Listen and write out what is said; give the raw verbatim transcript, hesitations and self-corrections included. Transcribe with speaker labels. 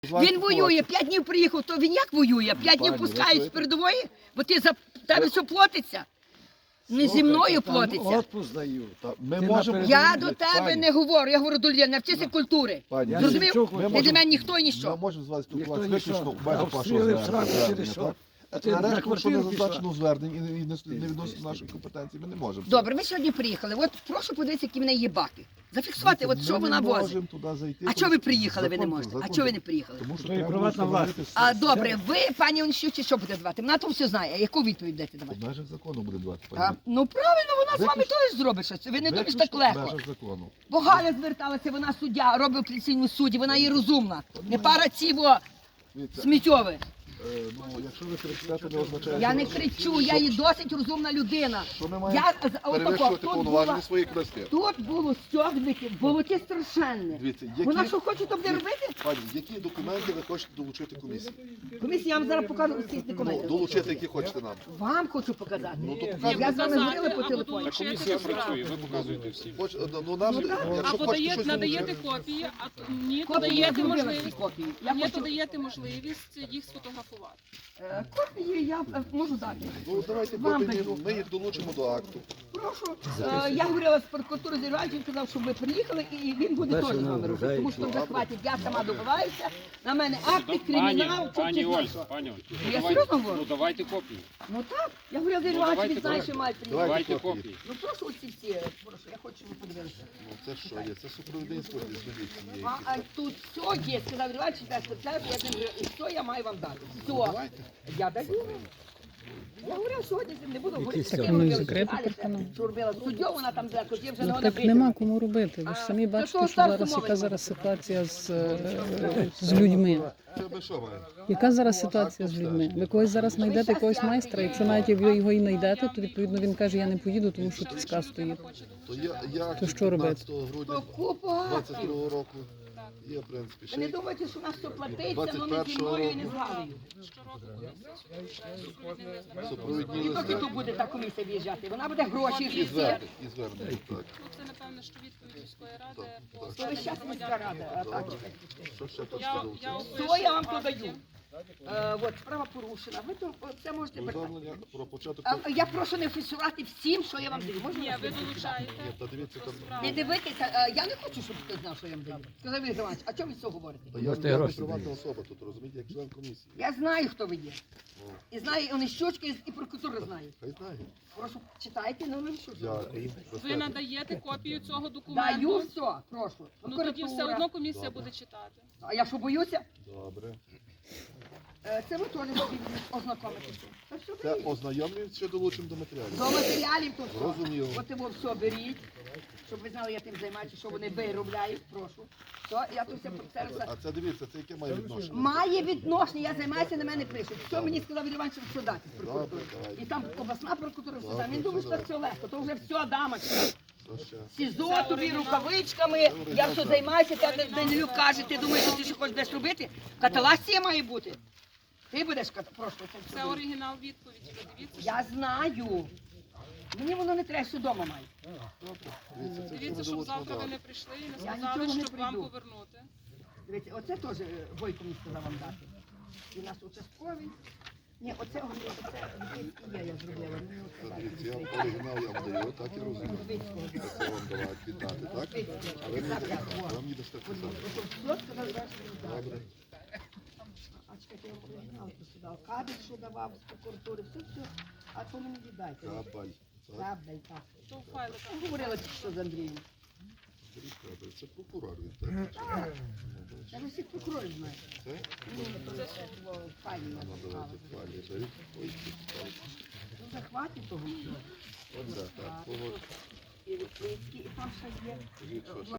Speaker 1: Він воює, п'ять днів приїхав, то він як воює? П'ять днів пускають з передової? Бо ти за тебе все платиться? Не зі мною платиться.
Speaker 2: Отпуск даю.
Speaker 3: Ми можемо...
Speaker 1: Я до тебе не говорю, я говорю до людей, навчися культури.
Speaker 3: Пані,
Speaker 1: Зрозумів?
Speaker 3: ми
Speaker 1: Ти для мене ніхто і
Speaker 3: Ми
Speaker 1: ніщо.
Speaker 3: можемо з вас
Speaker 2: Ніхто
Speaker 3: спілкуватися
Speaker 2: нічого.
Speaker 3: виключно в межах вашого
Speaker 2: Обстріли в сраку через
Speaker 3: звернення.
Speaker 2: що?
Speaker 3: так?
Speaker 2: А ти
Speaker 3: А
Speaker 2: на
Speaker 3: решта, що не
Speaker 2: квартиру пішла?
Speaker 3: зазначено в зверненні і не- і не не відносить нашої компетенції, ми не можемо.
Speaker 1: Добре, ми сьогодні приїхали. От прошу подивитися, які в неї є баки. Зафіксувати, от що вона
Speaker 3: Ми не
Speaker 1: возить.
Speaker 3: можемо туди зайти.
Speaker 1: А чого ви приїхали, ви не
Speaker 3: Закон-
Speaker 1: можете? А
Speaker 3: закон-
Speaker 1: чого ви не приїхали?
Speaker 3: Тому що
Speaker 2: То є
Speaker 3: треба
Speaker 2: приватна
Speaker 3: встановити
Speaker 2: власність.
Speaker 1: А добре, ви, пані Онищуці, що буде давати? Вона то все знає. Яку відповідь будете
Speaker 3: В
Speaker 1: давати?
Speaker 3: межах закону буде давати,
Speaker 1: А,
Speaker 3: пані.
Speaker 1: ну правильно, вона з вами
Speaker 3: Виключно-
Speaker 1: теж зробить щось. Ви не думаєте
Speaker 3: Виключно
Speaker 1: так
Speaker 3: в
Speaker 1: легко.
Speaker 3: межах закону.
Speaker 1: Бо Галя зверталася, вона суддя, робить в апеляційному суді, вона є розумна. Не пара ціво
Speaker 3: Дивіться,
Speaker 1: сміттєве.
Speaker 3: е, ну, якщо ви кричите, то не означає,
Speaker 1: Я
Speaker 3: що-
Speaker 1: не кричу, я є досить розумна людина.
Speaker 3: що ми маємо
Speaker 1: Я з- отако,
Speaker 3: перевищувати
Speaker 1: тут
Speaker 3: повноваження
Speaker 1: була-
Speaker 3: своєї краси.
Speaker 1: Тут було стягники, було ті страшенне.
Speaker 3: Дивіться, які-
Speaker 1: Вона що хоче, то буде робити?
Speaker 3: Пані, які документи ви хочете долучити комісії?
Speaker 1: Комісія, я вам зараз покажу всі
Speaker 3: Ну,
Speaker 1: документи.
Speaker 3: долучити, які хочете нам.
Speaker 1: Вам хочу показати.
Speaker 3: Ну, то
Speaker 1: Я
Speaker 3: показуйте.
Speaker 1: з вами говорила по телефоні.
Speaker 4: Та комісія працює, ви показуєте всім.
Speaker 3: Хоч, ну, нам,
Speaker 1: Ну, так.
Speaker 3: якщо
Speaker 4: Або
Speaker 3: хочете
Speaker 4: дає,
Speaker 3: щось
Speaker 4: надаєте
Speaker 3: долучити,
Speaker 4: копії, а т- ні, то
Speaker 1: Копії я
Speaker 4: даєте
Speaker 1: зробила ці
Speaker 4: можливість.
Speaker 1: копії. Я
Speaker 4: Ні,
Speaker 1: хочу
Speaker 4: то даєте можливість їх сфотографувати.
Speaker 1: е, копії, я е, можу дати.
Speaker 3: ну, давайте
Speaker 1: Вам
Speaker 3: копії,
Speaker 1: даю.
Speaker 3: ми їх долучимо до акту.
Speaker 1: Прошу. Е, Я говорила з прокуратури Зірвальчик, він сказав, щоб ви приїхали, і він буде теж з вами робити. Тому що вже хватить, я сама добиваюся. На мене акти, кримінал, чи
Speaker 4: Пані
Speaker 1: чи
Speaker 4: Оль,
Speaker 1: що.
Speaker 4: пані Оль,
Speaker 1: Я
Speaker 4: давайте-
Speaker 1: серйозно говорю?
Speaker 4: ну давайте копії.
Speaker 1: Ну так, я говорила Зірвальчик,
Speaker 4: давайте,
Speaker 1: він знає,
Speaker 4: давайте.
Speaker 1: що має приїхати.
Speaker 4: Давайте
Speaker 3: копії.
Speaker 4: копії.
Speaker 1: Ну прошу оці всі, прошу, я хочу, щоб ви подивилися.
Speaker 3: Ну, це що є? Це супровідництво десь цієї.
Speaker 1: А, а тут все є, сказав Зірвальчик, я сказав, я з ним говорю, і все я маю вам дати. Все.
Speaker 3: Давайте.
Speaker 1: Я даю. Я говорила, сьогодні з ним не буду говорити.
Speaker 5: Так
Speaker 1: таке
Speaker 5: воно і
Speaker 1: робила,
Speaker 5: закрите
Speaker 1: що
Speaker 5: так
Speaker 1: Галя
Speaker 5: воно.
Speaker 1: Що робила суддю, вона там зверху, я вже не
Speaker 5: Ну,
Speaker 1: вона
Speaker 5: так нема кому робити. Ви ж самі
Speaker 1: А,
Speaker 5: бачите,
Speaker 1: то
Speaker 5: що
Speaker 1: старші
Speaker 5: зараз
Speaker 1: мови
Speaker 5: яка
Speaker 1: не
Speaker 5: зараз
Speaker 1: можуть.
Speaker 5: ситуація з, е, з людьми.
Speaker 3: Це ви що маєте?
Speaker 5: Яка зараз ситуація з людьми? Ви когось зараз знайдете якогось майстра, якщо навіть як ви його і знайдете, то відповідно він каже, я не поїду, тому що тут сказ стоїть.
Speaker 3: То я, я
Speaker 5: То що робити?
Speaker 3: п'ятнадцятого грудня
Speaker 1: Купа.
Speaker 3: двадцять другого року є, в принципі,
Speaker 1: Ви не
Speaker 3: ще.
Speaker 1: думайте, що у нас все платиться,
Speaker 3: двадцять
Speaker 1: ну не зі
Speaker 3: першого
Speaker 1: мною і не з
Speaker 3: року.
Speaker 1: Галею.
Speaker 4: Щороку комісія супровідний лист.
Speaker 3: Супровідні
Speaker 1: І поки
Speaker 3: листи
Speaker 1: тут буде та комісія в'їжджати, вона буде гроші
Speaker 3: і
Speaker 1: всі.
Speaker 3: звернення. І звернення, так.
Speaker 4: Ну, це, напевно, що відповідь міської ради по
Speaker 1: То ви щас міська рада, а так.
Speaker 3: Що ще тут
Speaker 4: Я,
Speaker 3: сказав?
Speaker 4: я
Speaker 1: Що я вам
Speaker 4: опишу
Speaker 1: подаю?
Speaker 4: факти.
Speaker 1: Е, От, справа порушена. Ви то це можете брати.
Speaker 3: Повідомлення про початок...
Speaker 1: А, Я прошу не фіксувати всім, що я вам даю. Можна?
Speaker 4: Ні, ви долучаєте
Speaker 3: Ні, та дивіться, там...
Speaker 4: справу.
Speaker 1: Не дивитися, е, я не хочу, щоб хтось знав, що я вам даю. Сказав Ігор Іванович, а чого ви це говорите?
Speaker 3: Та Я я не приватна особа тут, розумієте, як член комісії.
Speaker 1: Я знаю, хто ви є.
Speaker 3: Ну,
Speaker 1: І знаю, і Онищучка, і і прокуратура знає.
Speaker 3: Хай знає.
Speaker 1: Прошу, читайте, ну ви що?
Speaker 3: Дякую.
Speaker 4: Ви надаєте копію цього
Speaker 1: Даю
Speaker 4: документу.
Speaker 1: все, прошу.
Speaker 4: Ну тоді все
Speaker 1: Прокуратура.
Speaker 4: одно комісія
Speaker 3: Добре.
Speaker 4: буде читати.
Speaker 1: А я що боюся?
Speaker 3: Добре.
Speaker 1: Е, Це ви теж можете ознакомитися. Та все
Speaker 3: Це
Speaker 1: беріть.
Speaker 3: ознайомлюють, що долучимо до матеріалів.
Speaker 1: До матеріалів тут.
Speaker 3: Зрозуміло.
Speaker 1: От його все беріть, щоб ви знали, я тим займаюся, що вони виробляють, прошу. Все, я тут все це все.
Speaker 3: А це дивіться, це яке має відношення?
Speaker 1: Має відношення, я займаюся, на мене пишуть. Що мені сказав Ігор Іванович, що дати з прокуратури.
Speaker 3: Добре, давайте.
Speaker 1: І там обласна прокуратура все
Speaker 3: Добре,
Speaker 1: там. Він думає, що
Speaker 3: все
Speaker 1: це все легко, то вже все, дамочка.
Speaker 3: Що ще?
Speaker 1: СІЗО тобі рукавичками, я все займаюся, тебе Данилюк каже, ти думаєш, що ти ще хочеш десь робити? Каталасція має бути. Ти будеш ката... Прошу, це все
Speaker 4: Це
Speaker 1: буде.
Speaker 4: оригінал відповіді. Ви дивіться,
Speaker 1: Я знаю. Мені воно не треба, що вдома маю.
Speaker 3: Дивіться, це
Speaker 4: дивіться,
Speaker 3: все
Speaker 4: щоб
Speaker 3: ми
Speaker 4: завтра ви
Speaker 3: долучимо
Speaker 4: не прийшли і не
Speaker 1: Я
Speaker 4: сказали,
Speaker 1: нічого не
Speaker 4: щоб вам
Speaker 1: прийду.
Speaker 4: повернути.
Speaker 1: Дивіться, оце теж е, Бойко мені сказав вам дати. І у нас участковий. Ні, оце, оце і я, я зробила. Мені
Speaker 3: до
Speaker 1: оце
Speaker 3: дати. Дивіться, я
Speaker 1: дати.
Speaker 3: вам оригінал я вам даю, так я розумію. Це вам давати, віддати, так? А ви мені а ви мені дасте це саме.
Speaker 1: Ото все сказав, що дати.
Speaker 3: Добре.
Speaker 1: А чекайте, я вам оригінал посідав. Кабель, що давав з прокуратури, все, все. А то мені віддайте.
Speaker 3: Кабель. Так,
Speaker 1: Кабель, так.
Speaker 4: То в файликах.
Speaker 1: Говорила тільки що з Андрієм.
Speaker 3: беріть кабель. Це прокурор він, так?
Speaker 1: Я ви всіх прокурорів знаю.
Speaker 3: Це?
Speaker 1: Ні, то це було файно.
Speaker 3: Ну, давайте, пані, беріть. Ой, тут,
Speaker 1: Ну, захватить того всього.
Speaker 3: Оце, так.
Speaker 1: І Липецький, і там ще є.
Speaker 3: Скажіть, що ще?